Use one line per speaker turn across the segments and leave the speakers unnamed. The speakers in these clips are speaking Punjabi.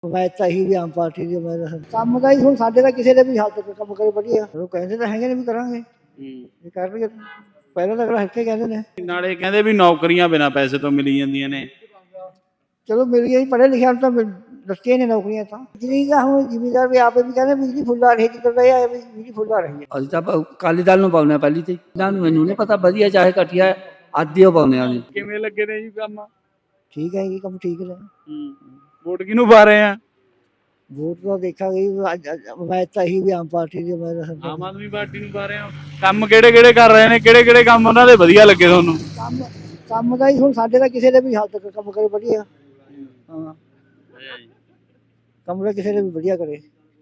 ਮੈਂ ਤਾਂ ਇਹੀ ਵੀ ਆਮ ਪਾਰਟੀ ਦੀ ਮੈਂ ਤਾਂ ਕੰਮ ਦਾ ਹੀ ਹੁਣ ਸਾਡੇ ਤਾਂ ਕਿਸੇ ਦੇ ਵੀ ਹਾਲ ਤੱਕ ਕੰਮ ਕਰੇ ਵਧੀਆ ਉਹ ਕਹਿੰਦੇ ਤਾਂ ਹੈਗੇ ਨੇ ਵੀ ਕਰਾਂਗੇ ਇਹ ਕਰਨਗੇ ਪਹਿਲਾਂ ਤਾਂ ਅਗਲਾ ਹੱਕੇ ਕਹਿੰਦੇ ਨੇ
ਨਾਲੇ ਕਹਿੰਦੇ ਵੀ ਨੌਕਰੀਆਂ ਬਿਨਾਂ ਪੈਸੇ ਤੋਂ ਮਿਲੀ ਜਾਂਦੀਆਂ ਨੇ।
ਚਲੋ ਮਿਲ ਗਈ ਪੜ੍ਹੇ ਲਿਖਿਆ ਨੂੰ ਤਾਂ ਦੱਸੀਆਂ ਨੇ ਨੌਕਰੀਆਂ ਤਾਂ ਬਿਜਲੀ ਦਾ ਹੁਣ ਜ਼ਿਮੀਦਾਰ ਵੀ ਆਪੇ ਵੀ ਕਹਿੰਦੇ ਬਿਜਲੀ ਫੁੱਲ ਆ ਰਹੀ ਜਿੱਦਾਂ ਦਾ ਇਹ ਆਇਆ ਵੀ ਬਿਜਲੀ ਫੁੱਲ ਆ ਰਹੀ ਹੈ
ਅਸੀਂ ਤਾਂ ਅਕਾਲੀ ਦਲ ਨੂੰ ਪਾਉਂਦੇ ਹਾਂ ਪਹਿਲੀ ਤੇ ਇਹਨਾਂ ਨੂੰ ਮੈਨੂੰ ਨਹੀਂ ਪਤਾ ਵਧੀਆ ਚਾਹੇ ਘਟੀਆ ਆਦੀ ਉਹ ਪਾਉਂਦੇ ਹਾਂ ਜੀ।
ਕਿਵੇਂ ਲੱਗੇ ਨੇ ਜੀ ਕੰਮ?
ਠੀਕ ਹੈ ਜੀ ਕੰਮ ਠੀਕ ਨੇ
ਵੋਟ ਕਿਹਨੂੰ ਪਾ ਰਹੇ ਆ?
ਵੋਟ ਤਾਂ ਦੇਖਾਂਗੇ ਮੈਂ ਤਾਂ ਇਹੀ ਵੀ ਆਮ ਪਾਰਟੀ ਦੀ ਮੈਂ ਤਾਂ
ਆਮ ਆਦਮੀ ਪਾਰਟੀ ਨੂੰ ਪਾ ਰਹੇ ਹੋ। ਕੰਮ ਕਿਹੜੇ ਕਿਹੜੇ ਕਰ ਰਹੇ ਨੇ, ਕਿਹੜੇ ਕਿਹੜੇ ਕੰਮ ਉਹਨਾਂ ਦੇ ਵਧੀਆ ਲੱਗੇ ਤੁਹਾਨੂੰ?
ਕੰਮ ਕੰਮ ਦਾ ਹੀ ਹੁਣ ਸਾਡੇ ਤਾਂ ਕਿਸੇ ਦੇ ਵੀ ਹਾਲ ਤੱਕ ਕੰਮ ਕਰੇ ਵਧੀਆ ਹਾਂ ਕੰਮ ਦਾ ਕਿਸੇ ਦੇ ਵੀ ਵਧੀਆ ਕਰੇ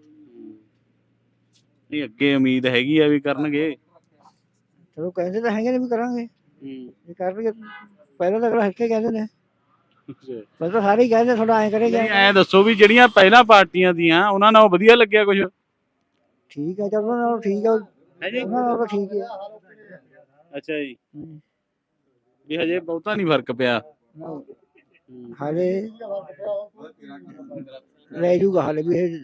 ਨਹੀਂ ਅੱਗੇ ਉਮੀਦ ਹੈਗੀ ਆ ਵੀ ਕਰਨਗੇ।
ਚਲੋ ਕਹਿੰਦੇ ਤਾਂ ਹੈਗੇ ਨੇ ਵੀ ਕਰਾਂਗੇ ਇਹ ਕਰਨਗੇ ਪਹਿਲਾਂ ਤਾਂ ਅਗਲਾ ਹੱਕੇ ਕਹਿੰਦੇ ਨੇ ਪਹਿਲਾਂ ਤਾਂ ਸਾਰੇ ਹੀ ਕਹਿੰਦੇ ਥੋੜਾ ਐਂ ਕਰੇਗਾ
ਐਂ ਦੱਸੋ ਵੀ ਜਿਹੜੀਆਂ ਪਹਿਲਾਂ ਪਾਰਟੀਆਂ ਦੀਆਂ ਉਹਨਾਂ ਨਾਲ ਵਧੀਆ ਲੱਗਿਆ ਕੁਝ?
ਠੀਕ ਹੈ ਚਲੋ ਉਹਨਾਂ ਨਾਲੋਂ ਠੀਕ ਹੈ
ਹੈ ਜੀ।
ਉਹਨਾਂ ਨਾਲੋਂ ਠੀਕ ਹੈ
ਅੱਛਾ ਜੀ, ਵੀ ਹਜੇ ਬਹੁਤਾ ਨਹੀਂ ਫਰਕ ਪਿਆ।
ਹਾਲੇ ਲੈ ਜੂਗਾ ਹਾਲੇ ਵੀ ਇਹ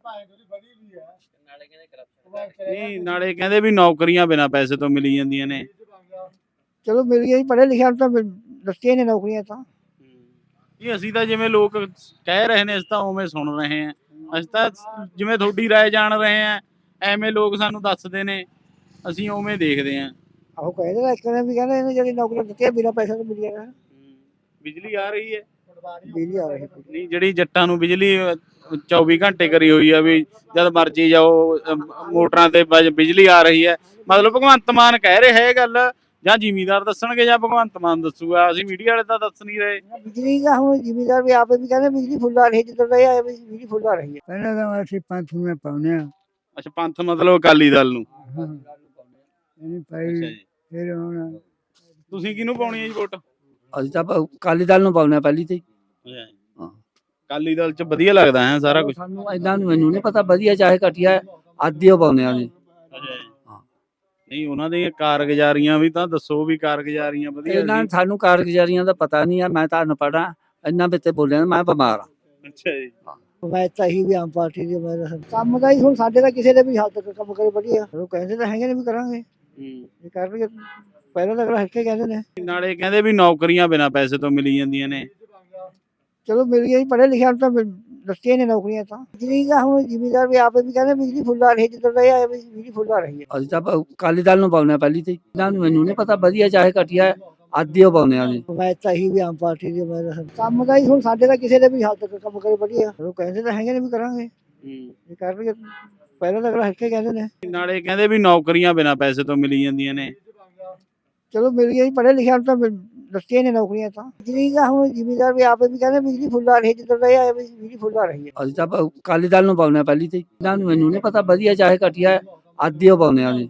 ਨਹੀਂ ਨਾਲੇ ਕਹਿੰਦੇ ਵੀ ਨੌਕਰੀਆਂ ਬਿਨਾਂ ਪੈਸੇ ਤੋਂ ਮਿਲੀ ਜਾਂਦੀਆਂ ਨੇ।
ਚਲੋ ਮਿਲ ਗਈ ਪੜ੍ਹੇ ਲਿਖਿਆ ਨੂੰ ਤਾਂ ਦੱਸੀਆਂ ਨੇ ਨੌਕਰੀਆਂ ਤਾਂ
ਇਹ ਅਸੀਂ ਤਾਂ ਜਿਵੇਂ ਲੋਕ ਕਹਿ ਰਹੇ ਨੇ ਅਸੀਂ ਤਾਂ ਉਵੇਂ ਸੁਣ ਰਹੇ ਹਾਂ। ਅਸੀਂ ਤਾਂ ਜਿਵੇਂ ਤੁਹਾਡੀ ਰਾਏ ਜਾਣ ਰਹੇ ਹਾਂ ਐਵੇਂ ਲੋਕ ਸਾਨੂੰ ਦੱਸਦੇ ਨੇ ਅਸੀਂ ਉਵੇਂ ਦੇਖਦੇ ਹਾਂ।
ਆਹੋ ਕਹਿੰਦੇ ਤਾਂ ਇੱਕ ਨੇ ਵੀ ਕਹਿੰਦੇ ਇਹਨੇ ਜਿਹੜੀ ਨੌਕਰੀ ਦਿੱਤੀਆਂ ਬਿਨਾਂ ਪੈਸੇ ਤੋਂ ਮਿਲੀਆਂ ਨੇ
ਬਿਜਲੀ ਆ ਰਹੀ ਹੈ
ਬਿਜਲੀ ਆ ਰਹੀ
ਨਹੀਂ ਜਿਹੜੀ ਜੱਟਾਂ ਨੂੰ ਬਿਜਲੀ 24 ਘੰਟੇ ਕਰੀ ਹੋਈ ਆ ਵੀ ਜਦ ਮਰਜੀ ਜਾਓ ਮੋਟਰਾਂ ਤੇ ਬਿਜਲੀ ਆ ਰਹੀ ਹੈ। ਮਤਲਬ ਭਗਵੰਤ ਮਾਨ ਕਹਿ ਰਿਹਾ ਇਹ ਗੱਲ ਜਾਂ ਜ਼ਿਮੀਦਾਰ ਦੱਸਣਗੇ ਜਾਂ ਭਗਵੰਤ ਮਾਨ ਦੱਸੂਗਾ, ਅਸੀਂ ਮੀਡੀਆ ਵਾਲੇ ਤਾਂ ਦੱਸ ਨਹੀਂ ਰਹੇ।
ਬਿਜਲੀ ਦਾ ਹੁਣ ਜ਼ਿਮੀਦਾਰ ਵੀ ਆਪੇ ਵੀ ਕਹਿੰਦੇ ਬਿਜਲੀ ਫੁੱਲ ਆ ਰਹੀ ਜਿੱਦਾਂ ਦਾ ਇਹ ਆਇਆ ਵੀ ਬਿਜਲੀ ਫੁੱਲ ਆ ਰਹੀ ਹੈ ਪਹਿਲਾਂ ਤਾਂ ਅਸੀਂ ਪੰਥ ਨੂੰ ਪਾਉਂਦੇ ਹਾਂ
ਅੱਛਾ ਪੰਥ ਮਤਲਬ ਅਕਾਲੀ ਦਲ ਨੂੰ।
ਇਹਨੂੰ
ਅੱਛਾ
ਪਾਈ
ਜੀ,
ਫਿਰ ਹੁਣ
ਤੁਸੀਂ ਕਿਹਨੂੰ ਪਾਉਣੀ ਹੈ ਜੀ ਵੋਟ?
ਅਸੀਂ ਤਾਂ ਅਕਾਲੀ ਦਲ ਨੂੰ ਪਾਉਂਦੇ ਹਾਂ ਪਹਿਲੀ ਤੇ ਹਾਂ।
ਅਕਾਲੀ ਦਲ ਚ ਵਧੀਆ ਲੱਗਦਾ ਹੈ ਸਾਰਾ ਕੁਝ।
ਸਾਨੂੰ ਇਹਨਾਂ ਨੂੰ ਮੈਨੂੰ ਨਹੀਂ ਪਤਾ ਵਧੀਆ ਚਾਹੇ ਘਟੀਆ ਆਦੀ ਉਹ ਪਾਉਂਦੇ ਹਾਂ ਜੀ।
ਨਹੀਂ ਉਹਨਾਂ ਦੀਆਂ ਕਾਰਗੁਜ਼ਾਰੀਆਂ ਵੀ ਤਾਂ ਦੱਸੋ ਵੀ ਕਾਰਗੁਜ਼ਾਰੀਆਂ ਵਧੀਆ
ਇਹਨਾਂ
ਸੀ।
ਨੂੰ ਸਾਨੂੰ ਕਾਰਗੁਜ਼ਾਰੀਆਂ ਦਾ ਪਤਾ ਨਹੀਂ ਆ, ਮੈਂ ਤਾਂ ਅਨਪੜ੍ਹ ਹਾਂ ਇਹਨਾਂ ਵਿੱਚ ਬੋਲਿਆ ਮੈਂ ਬਿਮਾਰ ਹਾਂ।
ਅੱਛਾ ਜੀ,
ਮੈਂ ਤਾਂ ਇਹੀ ਵੀ ਆਮ ਪਾਰਟੀ ਦੀ ਮੈਂ ਤਾਂ ਕੰਮ ਦਾ ਹੀ ਹੁਣ ਸਾਡੇ ਤਾਂ ਕਿਸੇ ਦੇ ਵੀ ਹਾਲ ਤੱਕ ਕੰਮ ਕਰੇ ਵਧੀਆ ਉਹ ਕਹਿੰਦੇ ਤਾਂ ਹੈਗੇ ਨੇ ਵੀ ਕਰਾਂਗੇ ਇਹ ਕਰਨਗੇ ਪਹਿਲਾਂ ਤਾਂ ਅਗਲਾ ਹੱਕੇ ਕਹਿੰਦੇ ਨੇ
ਨਾਲੇ ਕਹਿੰਦੇ ਵੀ ਨੌਕਰੀਆਂ ਬਿਨਾਂ ਪੈਸੇ ਤੋਂ ਮਿਲੀ ਜਾਂਦੀਆਂ ਨੇ।
ਚਲੋ ਮਿਲ ਗਈ ਪੜ੍ਹੇ ਲਿਖਿਆ ਨੂੰ ਤਾਂ ਦੱਸੀਆਂ ਨੇ ਨੌਕਰੀਆਂ ਤਾਂ ਬਿਜਲੀ ਦਾ ਹੁਣ ਜ਼ਿਮੀਦਾਰ ਵੀ ਆਪੇ ਵੀ ਕਹਿੰਦੇ ਬਿਜਲੀ ਫੁੱਲ ਆ ਰਹੀ ਜਿੱਦਾਂ ਦਾ ਇਹ ਆਇਆ ਵੀ ਬਿਜਲੀ ਫੁੱਲ ਆ ਰਹੀ ਹੈ
ਅਸੀਂ ਤਾਂ ਅਕਾਲੀ ਦਲ ਨੂੰ ਪਾਉਂਦੇ ਹਾਂ ਪਹਿਲੀ ਤੇ ਇਹਨਾਂ ਨੂੰ ਮੈਨੂੰ ਨਹੀਂ ਪਤਾ ਵਧੀਆ ਚਾਹੇ ਘਟੀਆ ਆਦੀ ਉਹ ਪਾਉਂਦੇ ਹਾਂ ਜੀ।
ਮੈਂ ਤਾਂ ਇਹੀ ਵੀ ਆਮ ਪਾਰਟੀ ਦੀ ਮੈਂ ਤਾਂ ਕੰਮ ਦਾ ਹੀ ਹੁਣ ਸਾਡੇ ਤਾਂ ਕਿਸੇ ਦੇ ਵੀ ਹਾਲ ਤੱਕ ਕੰਮ ਕਰੇ ਵਧੀਆ ਉਹ ਕਹਿੰਦੇ ਤਾਂ ਹੈਗੇ ਨੇ ਵੀ ਕਰਾਂਗੇ ਇਹ ਕਰਨਗੇ ਪਹਿਲਾਂ ਤਾਂ ਅਗਲਾ ਹੱਕੇ ਕਹਿੰਦੇ ਨੇ
ਨਾਲੇ ਕਹਿੰਦੇ ਵੀ ਨੌਕਰੀਆਂ ਬਿਨਾਂ ਪੈਸੇ ਤੋਂ ਮਿਲੀ ਜਾਂਦੀਆਂ ਨੇ।
ਚਲੋ ਮਿਲ ਗਈ ਪੜ੍ਹੇ ਲਿਖਿਆ ਨੂੰ ਤਾਂ ਦੱਸੀਆਂ ਨੇ ਨੌਕਰੀਆਂ ਤਾਂ ਬਿਜਲੀ ਦਾ ਹੁਣ ਜ਼ਿਮੀਦਾਰ ਵੀ ਆਪੇ ਵੀ ਕਹਿੰਦੇ ਬਿਜਲੀ ਫੁੱਲ ਆ ਰਹੀ ਜਿੱਦਾਂ ਦਾ ਇਹ ਆਇਆ ਵੀ ਬਿਜਲੀ ਫੁੱਲ ਆ ਰਹੀ ਹੈ
ਅਸੀਂ ਤਾਂ ਅਕਾਲੀ ਦਲ ਨੂੰ ਪਾਉਂਦੇ ਹਾਂ ਪਹਿਲੀ ਤੇ ਇਹਨਾਂ ਨੂੰ ਮੈਨੂੰ ਨਹੀਂ ਪਤਾ ਵਧੀਆ ਚਾਹੇ ਘਟੀਆ ਆਦੀ ਉਹ ਪਾਉਂਦੇ ਹਾਂ ਜੀ।